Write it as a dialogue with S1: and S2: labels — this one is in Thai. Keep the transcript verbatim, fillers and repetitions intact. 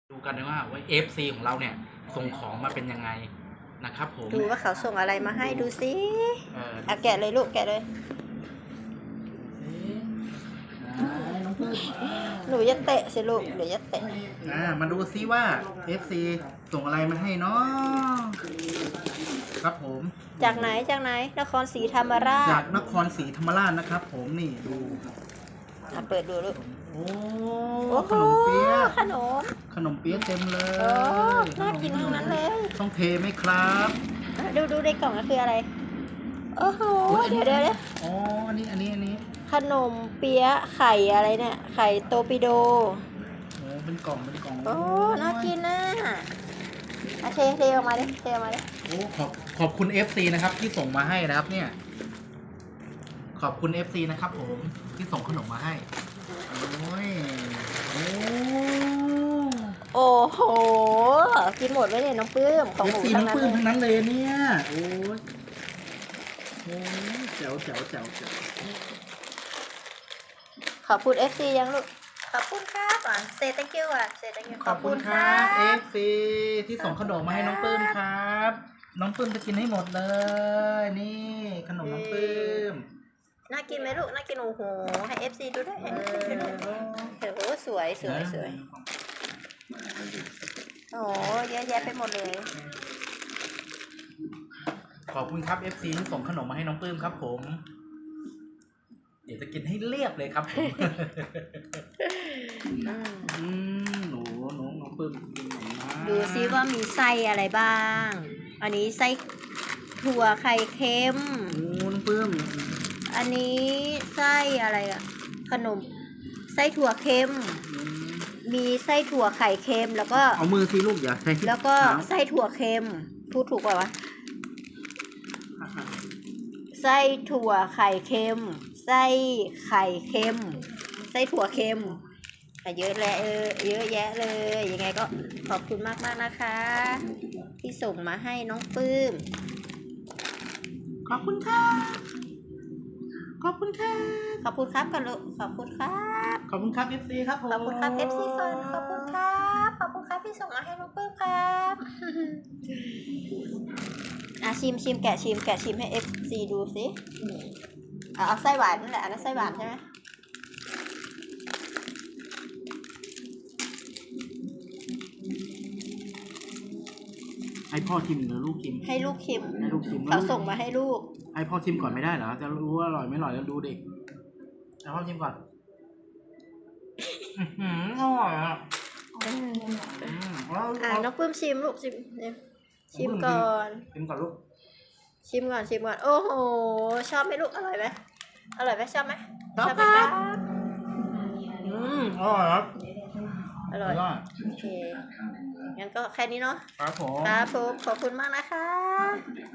S1: ดูกันนะว่าว่า เอฟ ซี ของเราเนี่ยส่งของมาเป็นยังไงนะครับผม
S2: ดูว่าเขาส่งอะไรมาให้ดูสิ
S1: เออ
S2: อ่ะแกะเลยลูกแกะเลย
S1: น้องพึ่ง
S2: หนูอย่าเตะสิลูกหนูอย่าเตะ
S1: อ่ามาดูซิว่า เอฟ ซี ส่งอะไรมาให้เนาะครับผม
S2: จากไหนจากไหนนครศรีธรรมราช
S1: จากนครศรีธรรมราชนะครับผมนี่ดู
S2: อ่ะเปิดดูลูก
S1: โอ้
S2: โอ้โห
S1: ขนมเปี๊ยะ
S2: ขนม
S1: ขนมเปี๊ยะเต็มเล
S2: โอ้
S1: ย
S2: น่ากินทั้งนั้นเลย
S1: ต้องเทไหมครับ
S2: อ่ะดูดูในกล่องนั่นคืออะไรโอ้โหเดี๋ยวเดี๋ยวเดี๋ยว
S1: อ๋ออันนี้อันนี้อันนี้
S2: ขนมเปี๊ยะไข่อะไรเนี่ยไข่โตปิโด
S1: โอ้เป็นกล่องเป็นกล่อง
S2: โอ้น่ากินนะอ่ะเทเทออกมาดิเทออกมาดิ
S1: โอ้ขอบขอบคุณ เอฟ ซี นะครับที่ส่งมาให้นะครับเนี่ยขอบคุณ เอฟ ซี นะครับผมที่ส่งขนมมาให้โอ้ยโอ้
S2: โอ้โหกินหมดไหมเนี่ยน้องปื้มของ
S1: เอ
S2: ห
S1: ฟ
S2: นู
S1: ซี
S2: ทั้
S1: น้
S2: ง
S1: อง
S2: นั้น
S1: ปื้ม
S2: เลย
S1: ทั้งนั้นเลยเนี่ยโอ้ยโอ้ยแจ๋วแจ๋วแจ๋วแจ๋ว
S2: ขอบคุณ เอฟ ซี ยังลูกขอบคุณครับอ่ะเซตังคิวอ่ะเซตังคิว
S1: ขอบคุณครับ เอฟ ซี ที่ส่งขนมมาให้น้องปื้มครับน้องปื้มจะกินให้หมดเลยนี่ขนมน้องปื้ม
S2: น่ากินไหมลูกน่ากินโอ้โหให้ เอฟ ซี ดูด้วยให้ เอฟ ซี ดูด้วยโอ้โหสวยสวยสวยโอ้โหเยอะแยะไปหมดเลย
S1: ขอบคุณครับ เอฟ ซี ที่ส่งขนมมาให้น้องปื้มครับผม เดี๋ยวจะกินให้เรียบเลยครับผมอืมหนูหนูน้องปื้มกินขนมนะ
S2: ดูซิว่ามีไส้อะไรบ้าง อันนี้ไส้ถั่วไข่เค็ม
S1: โอ้น้องปื้ม
S2: อันนี้ไส้อะไรอะขนมไส้ถั่วเค็มมีไส้ถั่วไข่เค็มแล้วก็
S1: เอามือสิลูกอย่าใช้
S2: แล้วก็ไส้ถั่วเค็มพูดถูกป่าวะไส้ถั่วไข่เค็มไส้ไข่เค็มไส้ถั่วเค็มเยอะแยะเออเยอะแยะเลยยังไงก็ขอบคุณมากมากนะคะที่ส่งมาให้น้องปื้ม
S1: ขอบคุณค่ะขอบคุณค่ะ
S2: ขอบคุณครับกันลูกขอบคุณครับ
S1: ขอบคุณครับ เอฟ ซี ครับผม
S2: ขอบคุณครับ เอฟ ซี ก่อนขอบคุณครับขอบคุณครับที่ส่งมาให้น้องปื้มครับอ่ะชิมชิมแกะชิมแกะชิมให้ เอฟ ซี ดูสิเอาเอาไส้หวานนั่นแหละอันนั้นไส้หวานใช่ไหม
S1: ให้พ่อชิมหรือลูกชิม
S2: ให้ลูกชิม
S1: ให้ลูกชิม
S2: เขาส่งมาให้ลูก
S1: ให้พ่อชิมก่อนไม่ได้เหรอจะรู้ว่าอร่อยไม่อร่อยแล้วดูดิให้พ่อชิมก่อนอืมอร่อยอ่ะ
S2: อ่าน้องปื้มชิมลูกชิมชิมก่อน
S1: ชิมก่อนลูก
S2: ชิมก่อนชิมก่อนโอ้โหชอบไหมลูกอร่อยไหมอร่อยไหมชอบไหม
S1: ชอบครับอืมอร่อยครับ
S2: อร่อยโอเคงั้นก็แค่นี้เนาะ
S1: ครับผม
S2: ครับผมขอบคุณมากนะคะ